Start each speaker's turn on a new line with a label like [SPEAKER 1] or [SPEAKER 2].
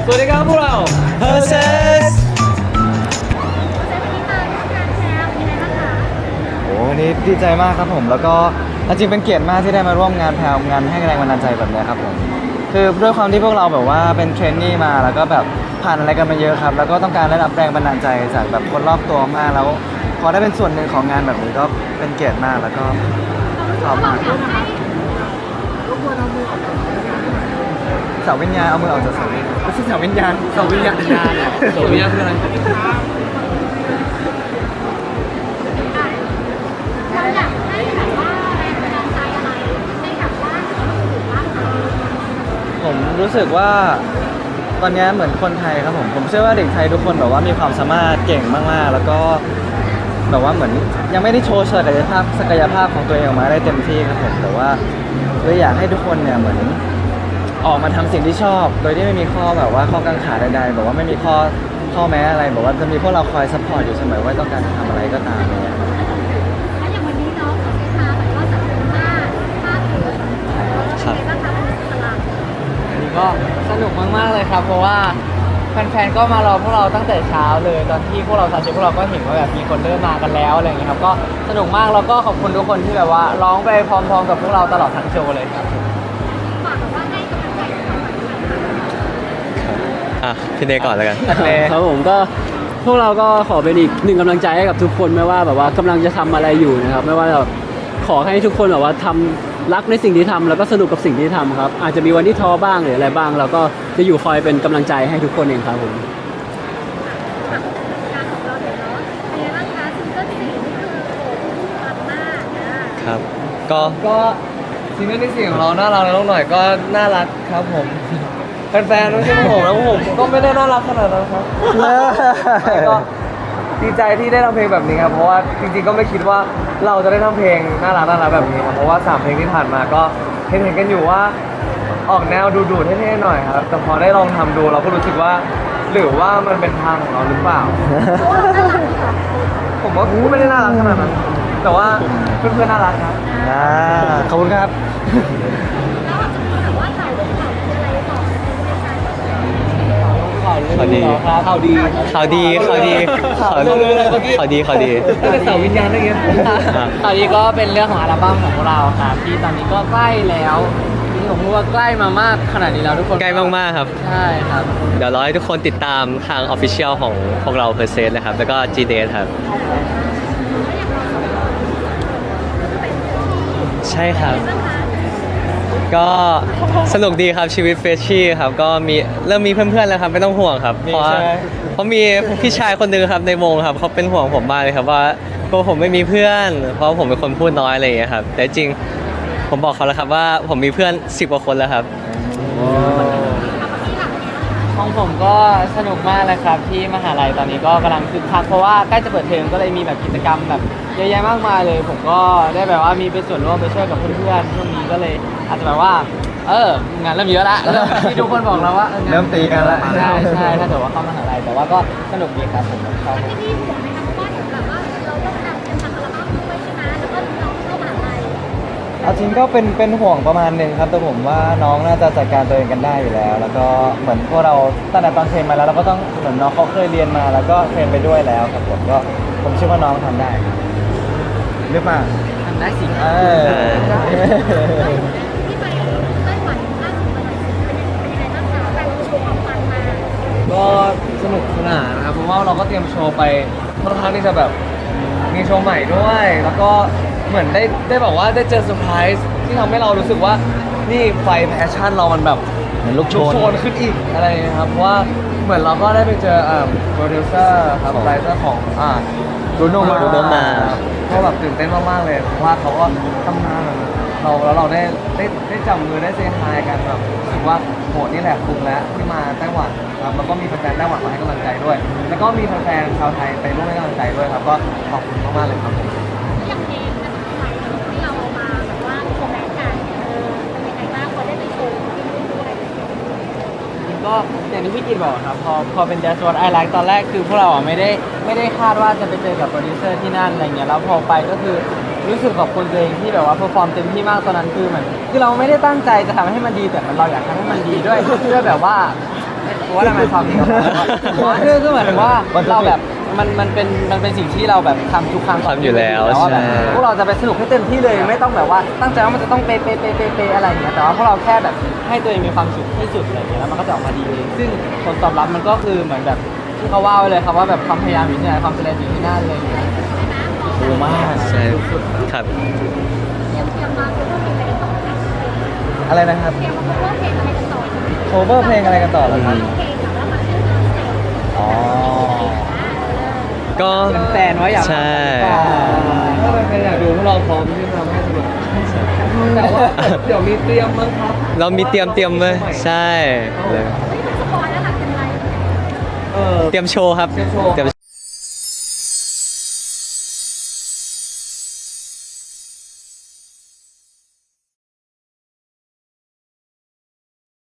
[SPEAKER 1] สวัสดีครับพวกเรา
[SPEAKER 2] Versus
[SPEAKER 3] โอ้วันนี้ดีใจมากครับผมแล้วก็จริงเป็นเกียรติมากที่ได้มาร่วมงานแพลวงานให้แรงบันดาลใจแบบนี้ครับผมคือด้วยความที่พวกเราแบบว่าเป็นเทรนนี่มาแล้วก็แบบผ่านอะไรกันมาเยอะครับแล้วก็ต้องการได้รับแรงบันดาลใจจากแบบคนรอบตัวมากแล้วพอได้เป็นส่วนหนึ่งของงานแบบนี้ก็เป็นเกียรติมากแล้วก็ชอบมากเสาวิญญาณเอามือออกจากเสาวิญญาณไม่ใช่เสาวิญญาณเสาวิญญาณ
[SPEAKER 1] เสาวิญญาณคืออะไร
[SPEAKER 4] เราอยากให้แบบว่าแรงบันดาลใจอะไรให้กับว่าถือว่า
[SPEAKER 3] ผมรู้สึกว่าตอนนี้เหมือนคนไทยครับผมเชื่อว่าเด็กไทยทุกคนแบบว่ามีความสามารถเก่งมากๆแล้วก็แบบว่าเหมือนยังไม่ได้โชว์ศักยภาพของตัวเองออกมาได้เต็มที่ครับผมแต่ว่าเลยอยากให้ทุกคนเนี่ยเหมือนออกมาทำสิ่งที่ชอบโดยที่ไม่มีข้อแบบว่าข้อกังขาใดๆแบบว่าไม่มีข้อแม้อะไรแบบว่าจะมีพวกเราคอยซัพพอร์ตอยู่เสมอว่าต้องการจะทำอะไรก็ตามเนี่ยครับ
[SPEAKER 4] แล้วอย่างวันนี้น้องของเซฟาแบบว่าจัดเป็นมากเลยเป็นไงบ้างคะตลาด
[SPEAKER 1] อันนี้ก็สนุกมากๆเลยครับเพราะว่าแฟนๆก็มารอพวกเราตั้งแต่เช้าเลยตอนที่พวกเราพวกเราก็เห็นว่าแบบมีคนเริ่มมากันแล้วอะไรอย่างเงี้ยครับก็สนุกมากแล้วก็ขอบคุณทุกคนที่แบบว่าร้องไปพร้อมๆกับพวกเราตลอดทั้งโชว์เลยครับ
[SPEAKER 4] ฝากแบบว่าให้กำลังใจพวกเราหน่อยค่ะ
[SPEAKER 2] พี่เนก่อนแล้วกัน
[SPEAKER 5] ครับผมก็พวกเราก็ขอเป็นอีกหนึ่งกำลังใจให้กับทุกคนไม่ว่าแบบว่ากำลังจะทำอะไรอยู่นะครับไม่ว่าแบบขอให้ทุกคนแบบว่าทำรักในสิ่งที่ทำแล้วก็สนุกกับสิ่งที่ทำครับอาจจะมีวันที่ท้อบ้างหรืออะไรบ้างเราก็จะอยู่คอยเป็นกำลังใจให้ทุกคนเองครับผม
[SPEAKER 4] งานของเราเดี๋ยวเนาะเป็นไงบ้างคะซิงเกิล4นี่คือโอ้โหปังมากนะ
[SPEAKER 2] ครับ ก็
[SPEAKER 1] ก็ซิงเกิลที่4ของเราน่ารักแล้วหน่อยก็น่ารักครับผมแฟนๆไม่ใช่ผมแล้วผมก็ไม่ได้น่ารักขนาดนั้นครับก็ดีใจที่ได้ทำเพลงแบบนี้ครับเพราะว่าจริงๆก็ไม่คิดว่าเราจะได้ทำเพลงน่ารักแบบนี้ครับเพราะว่า3เพลงที่ผ่านมาก็เห็นกันอยู่ว่าออกแนวดูๆเท่ๆหน่อยครับแต่พอได้ลองทำดูเราก็รู้สึกว่าหรือว่ามันเป็นทางของเราหรือเปล่า ผมว่าไม่ได้น่ารักขนาดนั้นแต่ว่าเพื่อนๆน่ารักครับ
[SPEAKER 3] ขอบคุณครับ
[SPEAKER 4] แล้วอาจจะมีแบบว่าข่าวคืออะไรต่อในรายการ
[SPEAKER 2] ข่าวดี
[SPEAKER 1] ข่าวดี
[SPEAKER 2] ข่าวดีข่าวดี
[SPEAKER 1] ก็เป็นเสาวิญญาณได้ไงข่าวดีก็เป็นเรื่องของอัลบั้มของพวกเราครับที่ตอนนี้ก็ใกล้แล้วที่ผมพูดว่าใกล้มามากขนาดนี้แล้วทุกคน
[SPEAKER 2] ใกล้มากๆครับ
[SPEAKER 1] ใช่ครับ
[SPEAKER 2] เดี๋ยวรอให้ทุกคนติดตามทาง Official ของพวกเรา Versus นะครับ แล้วก็ G Date ครับ ใช่ครับ ก็สนุกดีครับชีวิตเฟรชชี่ครับก็เริ่มมีเพื่อนๆแล้วครับไม่ต้องห่วงครับเพราะมีพี่ชายคนหนึงครับในวงครับเขาเป็นห่วงผมมากเลยครับว่าตัวผมไม่มีเพื่อน เพราะผมเป็นคนพูดน้อยอะไรอย่างเงี้ยครับแต่จริงผมบอกเขาแล้วครับว่าผมมีเพื่อน10 กว่าคนแล้วครับ
[SPEAKER 1] ของผมก็สนุกมากเลยครับที่มหาลัยตอนนี้ก็กำลังคึกคักเพราะว่าใกล้จะเปิดเทอมก็เลยมีแบบกิจกรรมแบบเยอะแยะมากมายเลย ผมก็ได้แบบว่ามีเป็นส่วนร่วมไปช่วยกับเพื่อนๆช่วงนี้ก็เลยอาจจะแบบว่างานเริ่มเยอะละที่ทุกคนบอกเราว่า
[SPEAKER 3] เริ่มตีกันละ
[SPEAKER 1] ใช่ถ้าเกิดว่าเข้ามหาลัยแต่ว่าก็สนุกดีครับผมชอบ
[SPEAKER 4] ที่ห่วงไหมคะเพราะว่าเห็นแบบว่าเราต้องทำเป็นทำอัลบั้มด้วยใช่ไหมแล้วก็น้องเข้ามหาลัย
[SPEAKER 3] เอาจริงก็เป็นห่วงประมาณหนึ่งครับแต่ผมว่าน้องน่าจะจัดการตัวเองกันได้อยู่แล้ว แล้วก็เหมือนพวกเราตั้งแต่ตอนเทรนมาแล้วเราก็ต้องเหมือนน้องเขาเคยเรียนมาแล้วก็เทรนไปด้วยแล้วครับผมเชื่อว่าน้องทำได้หรือเปล่า
[SPEAKER 1] ทำได้สิ
[SPEAKER 3] เออ
[SPEAKER 4] ที่ไปไต้หวันล่าสุดมาหน่อยสิเป็นยังไงบ้างคะการโชว์ความมันมา
[SPEAKER 1] ก็สนุกสนานนะครับเพราะว่าเราก็เตรียมโชว์ไปค่อนข้างที่จะแบบมีโชว์ใหม่ด้วย แล้วก็เหมือนได้บอกว่าได้เจอเซอร์ไพรส์ที่ทำให้เรารู้สึกว่านี่ไฟแพชชั่นเรามันแบบ
[SPEAKER 3] เหมือนลูกโชน
[SPEAKER 1] ขึ้นอีกอะไรอย่างเงี้ยครับเพราะว่าเหมือนเราก็ได้ไปเจอโปรดิวเซอร์ครับไรเตอร์ของ
[SPEAKER 3] Bruno
[SPEAKER 2] Mars
[SPEAKER 1] ก็แบบตื่นเต้นมากๆเลยเพราะว่าเขาก็ทำงานแบบเราได้จับมือได้เซฮายกันแบบรู้สึกว่าโหนี่แหละคุ้มแล้วที่มาไต้หวันครับแล้วก็มีแฟนๆไต้หวันมาให้กำลังใจด้วย แล้วก็มีแฟนๆชาวไทยไปร่วมให้กำลังใจด้วยครับก็ขอบคุณมากๆเลยครับ
[SPEAKER 4] อย่างเพลงมันจะเป็นอะไรที่เราเอามาแบบว่าโชว์แบงกันเป็นยังไงบ้างพอได้ไปโชว์ที่นู่นด้วย
[SPEAKER 1] ก็อย่างที่พี่กิตบอกครับพอเป็น That's What I Like ตอนแรกคือพวกเราไม่ได้คาดว่าจะไปเจอกับโปรดิวเซอร์ที่นั่นอะไรเงี้ยแล้วพอไปก็คือรู้สึกขอบคุณตัวเองที่แบบว่าเพอร์ฟอร์มเต็มที่มากตอนนั้นคือเหมือนคือเราไม่ได้ตั้งใจจะทำให้มันดีแต่เราอยากทำให้มันดีด้วยแบบว่า
[SPEAKER 3] ว่าทำไมซ้อมดีกว่าคือเหมือนว่าเราแบบมันเป็นสิ่งที่เราแบบทำทุกครั้ง
[SPEAKER 2] ทำอยู่แล้ว
[SPEAKER 3] ว่าแบบ
[SPEAKER 2] ใช่
[SPEAKER 3] พวกเราจะไปสนุกให้เต็มที่เลยไม่ต้องแบบว่าตั้งใจว่ามันจะต้องเป๊ะอะไรอย่างเงี้ยแต่ว่าพวกเราแค่แบบให้ตัวเองมีความสุขที่สุดอะไรอย่างเงี้ยแล้วมันก็จะออกมาดีเองซึ่งผลตอบรับมันก็คือเหมือนแบบที่เขาว่าไว้เลยครับว่าแบบความพยายามอยู่ที่ไหนความสำเร็จอยู่ที่นั่นเลยโอ้มาก
[SPEAKER 2] ใช่ครับ
[SPEAKER 4] เตรียมมาคือว่าเพลงอะไรกันต่อนะ
[SPEAKER 3] อะไรนะครับ
[SPEAKER 4] เตรียมมาคือว่าเพลงอะไรกันต่อ
[SPEAKER 3] โคเวอร์เพลงอะไรกันต่อเหรอครับ
[SPEAKER 4] เพลงแบบว่ามันขึ้นมาเสร็จ
[SPEAKER 3] อ๋อ
[SPEAKER 2] ก็
[SPEAKER 3] เป็นแฟนว่าอยาก
[SPEAKER 2] ใช่
[SPEAKER 1] ถ้าเป็นใครอยากดูพวกเราพร้อมที่จะทำให้สนุกแต่ว่าเดี๋ยวมีเตรียมมั้งครับ
[SPEAKER 2] เรามีเตรียมเลยใช่เลย
[SPEAKER 4] เฮ้ยมันสปอยแล้วหลังเป็นไร
[SPEAKER 1] เออ
[SPEAKER 2] เตรียมโชว์ครับ
[SPEAKER 1] เตรียมโชว์
[SPEAKER 2] เตรียม